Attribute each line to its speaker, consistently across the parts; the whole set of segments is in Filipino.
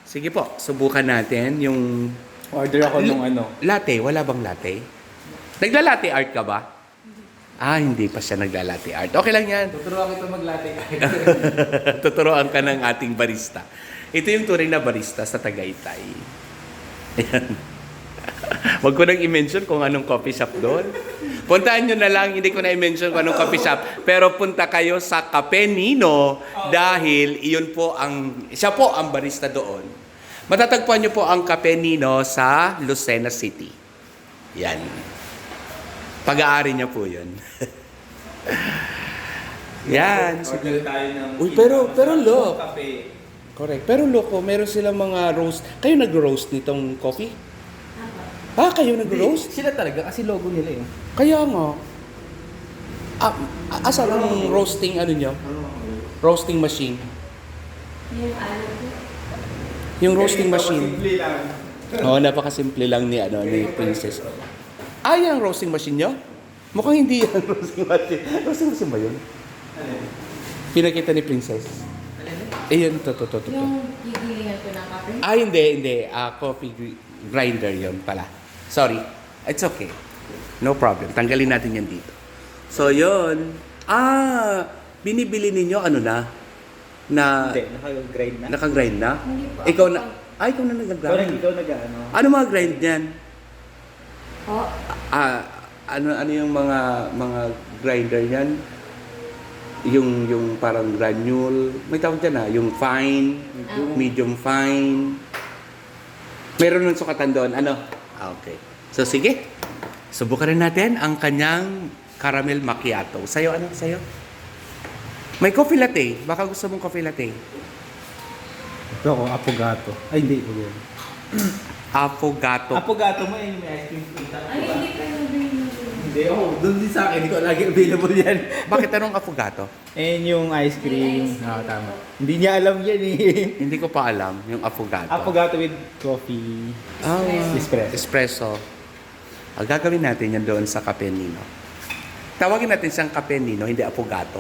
Speaker 1: Sige po, subukan natin yung
Speaker 2: Order ako nung ano.
Speaker 1: latte. Wala bang latte? Nagla-latte art ka ba? Ah, hindi pa siya nagla-latte art. Okay lang yan.
Speaker 2: Tuturuan kita mag-latte.
Speaker 1: Tuturuan ka ng ating barista. Ito yung tunay na barista sa Tagaytay. Ayan. Huwag ko nang i-mention kung anong coffee shop doon. Puntahan nyo na lang, hindi ko na i-mention kung anong coffee shop. Pero punta kayo sa Cafe Nino dahil siya po ang barista doon. Matatagpuan nyo po ang Cafe Nino sa Lucena City. Yan. Pag-aari niya po yun. Yan.
Speaker 2: Order tayo ng...
Speaker 1: Uy, pero look.
Speaker 2: Kape.
Speaker 1: Correct. Pero loko, meron silang mga roast. Kayo nag-roast nitong coffee? Ah, kayo nag-roast?
Speaker 2: Sila talaga kasi logo nila eh.
Speaker 1: Kaya nga. Asan ang roasting ano nyo? Roasting machine.
Speaker 3: Yung ano po.
Speaker 1: Yung roasting machine.
Speaker 2: Simple lang.
Speaker 1: Oo, napakasimple lang ni Princess. Ah, yan ang roasting machine nyo? Mukhang hindi yan roasting machine. Roasting machine ba yun?
Speaker 2: Ano yun?
Speaker 1: Pinakita ni Princess. Ayun, to.
Speaker 3: Yung gigilingan ko ng kape.
Speaker 1: Ah, hindi. Coffee grinder yon pala. Sorry. It's okay. No problem. Tanggalin natin yan dito. So, yun. Binibili ninyo ano na?
Speaker 2: Hindi, naka-grind na.
Speaker 1: Naka-grind na?
Speaker 3: Hindi po.
Speaker 1: Ikaw na nag-grind.
Speaker 2: Ikaw nag-ano.
Speaker 1: Ano mga grind niyan?
Speaker 3: Po.
Speaker 1: Ano yung mga grinder niyan? Yung parang granule. May tawag dyan yung fine, medium fine. Meron ng sukatan doon. Ano? Okay. So, sige. Subukan rin natin ang kanyang caramel macchiato. Sa'yo, ano? Sa'yo? May coffee latte. Baka gusto mong coffee latte.
Speaker 2: Ito ako, apogato. Ay, hindi.
Speaker 1: Affogato.
Speaker 2: Apogato mo yung may ice cream pita.
Speaker 3: Ay, hindi pa yung
Speaker 2: Hindi, doon din sa akin. Hindi ko lagi available yan.
Speaker 1: Bakit anong affogato?
Speaker 2: And yung ice cream.
Speaker 3: May ice cream.
Speaker 2: Tama. Hindi niya alam yan eh.
Speaker 1: Hindi ko pa alam yung affogato.
Speaker 2: Apogato with coffee. Espresso.
Speaker 1: Espresso. Ang gagawin natin yan doon sa Cafe Nino. Tawagin natin siyang Cafe Nino, hindi affogato.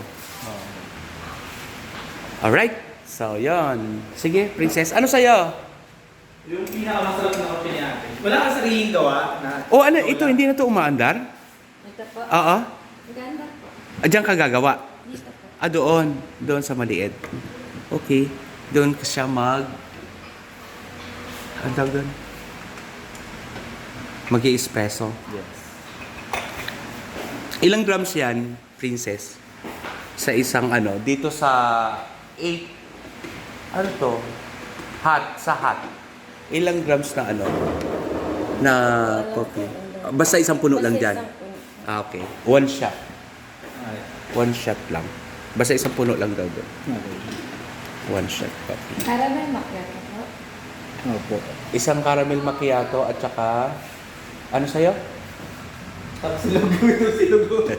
Speaker 1: Alright. So, yon. Sige, Princess. Ano sa'yo?
Speaker 2: Yung pinakamasarap na kape ni ate. Wala kang sariling gawa na...
Speaker 1: Ano? Ito, hindi na to umaandar?
Speaker 3: Ito po.
Speaker 1: Oo.
Speaker 3: Maganda po.
Speaker 1: Diyan ka gagawa?
Speaker 3: Dito po.
Speaker 1: Doon. Doon sa maliit. Okay. Doon ka siya ang tawag doon? Mag-i-espresso.
Speaker 2: Yes.
Speaker 1: Ilang grams yan, Princess? Sa isang dito sa 8, sa hot. Ilang grams na na coffee? Basta isang puno lang dyan. Okay. One shot.
Speaker 2: Ay.
Speaker 1: One shot lang. Basta isang puno lang daw doon.
Speaker 2: Okay.
Speaker 1: One shot coffee.
Speaker 3: Caramel macchiato po.
Speaker 2: Opo.
Speaker 1: Isang caramel macchiato at saka ano sa'yo?
Speaker 2: Tapos silog ito, silog.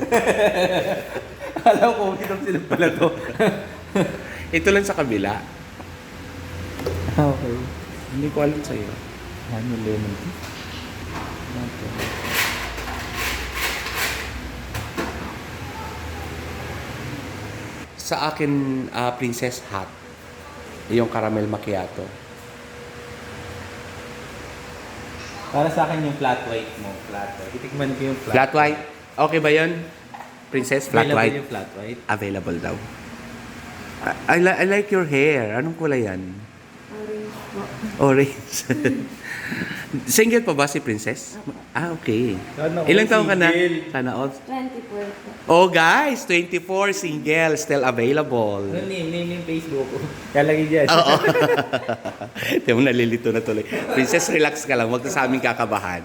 Speaker 2: Alam ko, itong silog pala to.
Speaker 1: Ito lang sa kabila.
Speaker 2: Okay.
Speaker 1: Hindi ko alam sa'yo.
Speaker 2: Ano, lemon tea? Okay.
Speaker 1: Sa akin, Princess Hot. Yung caramel macchiato.
Speaker 2: Para sa akin yung flat white mo. Flat white. Itikman ko yung
Speaker 1: Flat white? Okay ba yun? Princess, flat
Speaker 2: Available
Speaker 1: white?
Speaker 2: yung flat white.
Speaker 1: Available daw. I like your hair. Anong kulay yan?
Speaker 3: Orange po.
Speaker 1: Orange. Single pa ba si Princess? Okay.
Speaker 2: Sana all
Speaker 1: Ilang taon ka na?
Speaker 2: single.
Speaker 1: Sana all.
Speaker 3: 24 po.
Speaker 1: Oh guys, 24 single, still available.
Speaker 2: Ano name yung Facebook ko? Kalagay dyan.
Speaker 1: Oo. Di mo nalilito na tuloy. Princess, relax ka lang. Huwag ka sa aming kakabahan.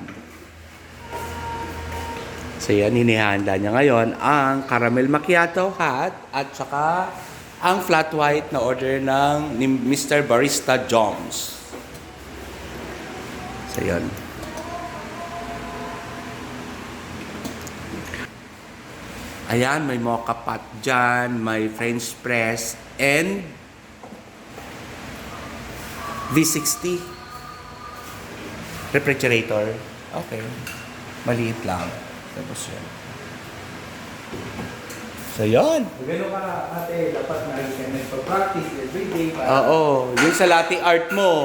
Speaker 1: So yan, hinihanda niya ngayon ang caramel macchiato hot at saka ang flat white na order ni Mr. Barista Joms. So yan. Ayan, may mocha pot dyan, may French press, and V60 refrigerator. Okay. Maliit lang. Tapos yan. So, yun.
Speaker 2: Kung gano'n ka ate, dapat na ka nagpa-practice everyday para
Speaker 1: Oo, yung sa latte art mo.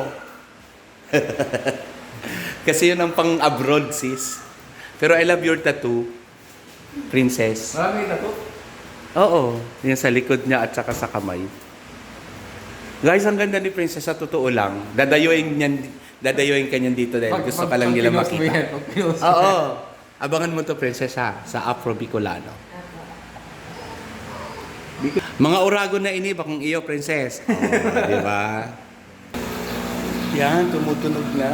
Speaker 1: Kasi yun ang pang-abroad, sis. Pero I love your tattoo, princess.
Speaker 2: marami na to.
Speaker 1: Oo, yung sa likod niya at saka sa kamay. Guys, ang ganda ni princess, sa totoo lang. Dadayuin ka niyan dito dahil gusto ka lang nila makita. Oo. Abangan mo to, princess, ha? Sa Afro Bicolano. Mga urago na ini, bakong iyo, princess. Oh, di ba? Yan, tumutunog na.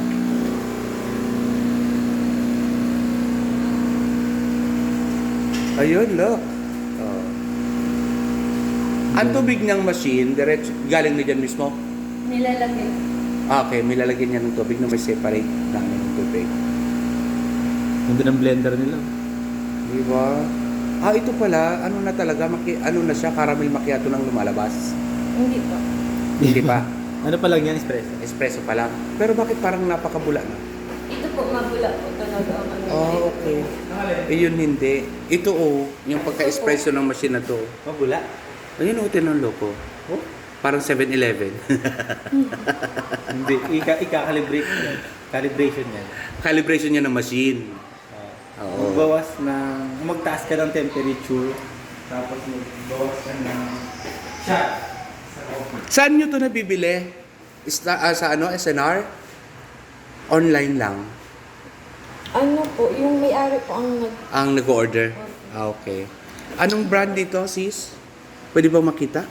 Speaker 1: Ayun, look. Oh. Ang tubig ng machine, diretso, galing na dyan mismo?
Speaker 3: Nilalagay.
Speaker 1: Okay, may lalagyan niya ng tubig na may separate namin ng tubig.
Speaker 2: Ganda ng blender nila.
Speaker 1: Di ba? Ito pala, ano na talaga, ano na siya, caramel macchiato nang lumalabas.
Speaker 3: Hindi pa.
Speaker 1: Hindi pa.
Speaker 2: Ano pa lang yan, espresso?
Speaker 1: Espresso pa lang. Pero bakit parang napakabula na?
Speaker 3: Ito po, mabula po talaga ang ano.
Speaker 1: Oh, okay. Yun hindi. Ito yung pagka-espresso ng machine na to.
Speaker 2: Mabula?
Speaker 1: Ayun tinanong loko.
Speaker 2: Oh?
Speaker 1: Parang 7-Eleven.
Speaker 2: Hindi, ika-calibrate yan. Calibration yan.
Speaker 1: Calibration niya ng machine. Oo.
Speaker 2: Magbawas ng, magtaas ka ng temperature, tapos magbawas ka ng shot sa coffee.
Speaker 1: Saan nyo to nabibili? Sa SNR? Online lang.
Speaker 3: Ano po, yung may-ari po
Speaker 1: Ang nag-order? Okay. Anong brand dito, sis? Pwede ba makita?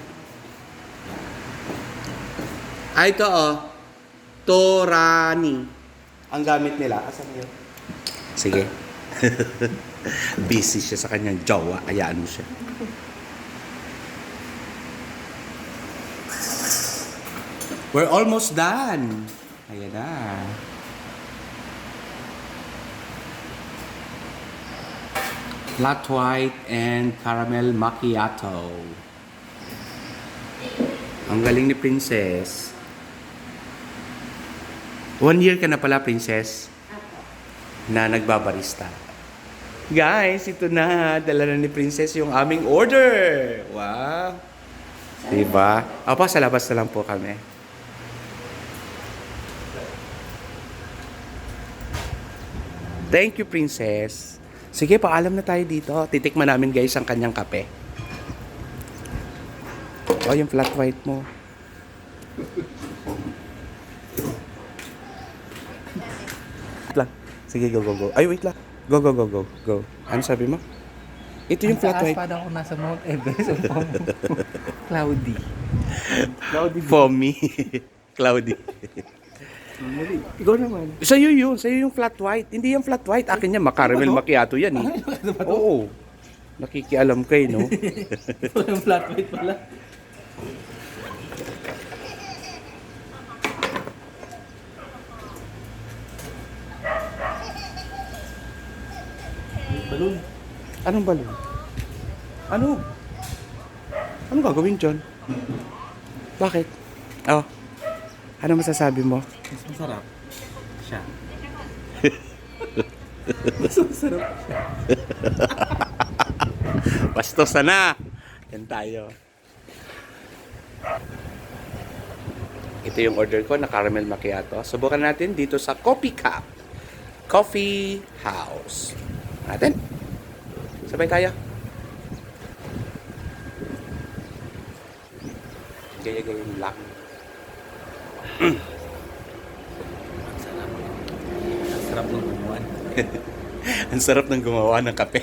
Speaker 1: Ito Torani. Ang gamit nila. Asan yun? Sige. Busy siya sa kanyang jowa. Ayaan mo siya. We're almost done. Ayan na. Flat white and caramel macchiato. Ang galing ni Princess. 1 year ka na pala, Princess, na nagbabarista. Guys, ito na. Dala na ni Princess yung aming order. Wow. Diba? Opo, sa labas na lang po kami. Thank you, Princess. Sige, paalam na tayo dito. Titikman namin, guys, ang kanyang kape. Oh, yung flat white mo. Lang. Sige, go. Ay, wait lang. Go. Ano sabi mo? Ito yung flat white.
Speaker 2: Parang ako nasa Mount Everest. Cloudy.
Speaker 1: Foamy. Cloudy.
Speaker 2: Ikaw naman.
Speaker 1: Sa'yo yung flat white. Hindi yung flat white. Akin yan, caramel macchiato yan eh. Oo. Nakikialam kayo, no?
Speaker 2: Ito yung flat white pala. Balloon.
Speaker 1: Anong balon? Ano? Anong gagawin dyan? Bakit? Oh. Ano masasabi mo?
Speaker 2: Mas masarap siya. Mas masarap siya.
Speaker 1: Bastos na! Yan tayo. Ito yung order ko na caramel macchiato. Subukan natin dito sa Coffee Cup. Coffee House. Natin. Sabay tayo. Gaya-gayon lang.
Speaker 2: Ang sarap ng gumawan.
Speaker 1: Ang sarap ng gumawa ng kape.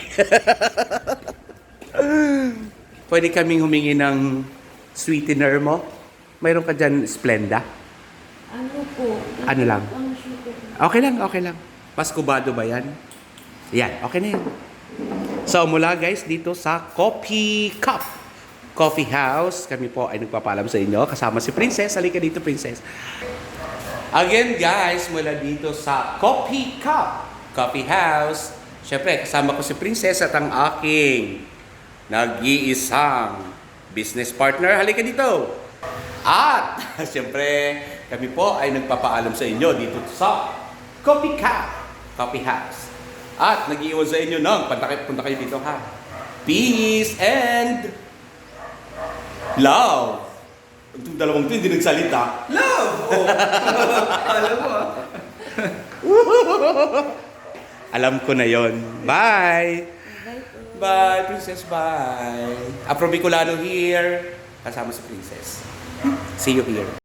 Speaker 1: Pwede kaming humingi ng sweetener mo? Mayroon ka dyan Splenda?
Speaker 3: Ano po?
Speaker 1: Ano lang?
Speaker 3: Ang sugar.
Speaker 1: Okay lang. Paskubado ba yan? Yan, okay na yan. So mula guys dito sa Coffee Cup Coffee House, kami po ay nagpapaalam sa inyo kasama si Princess. Halika dito, Princess. Again guys, mula dito sa Coffee Cup Coffee House, syempre kasama ko si Princess at ang aking nag-iisang business partner. Halika dito. At syempre kami po ay nagpapaalam sa inyo dito sa Coffee Cup Coffee House. At nag-iwan sa inyo ng punta kayo dito ha. peace, and love. Itong dalawang to, hindi nagsalita.
Speaker 2: Love! Oh. Alam mo ah.
Speaker 1: Alam ko na yon. Bye!
Speaker 3: Bye po.
Speaker 1: Bye, Princess, bye! Afro Bicolano here, kasama si Princess. See you here.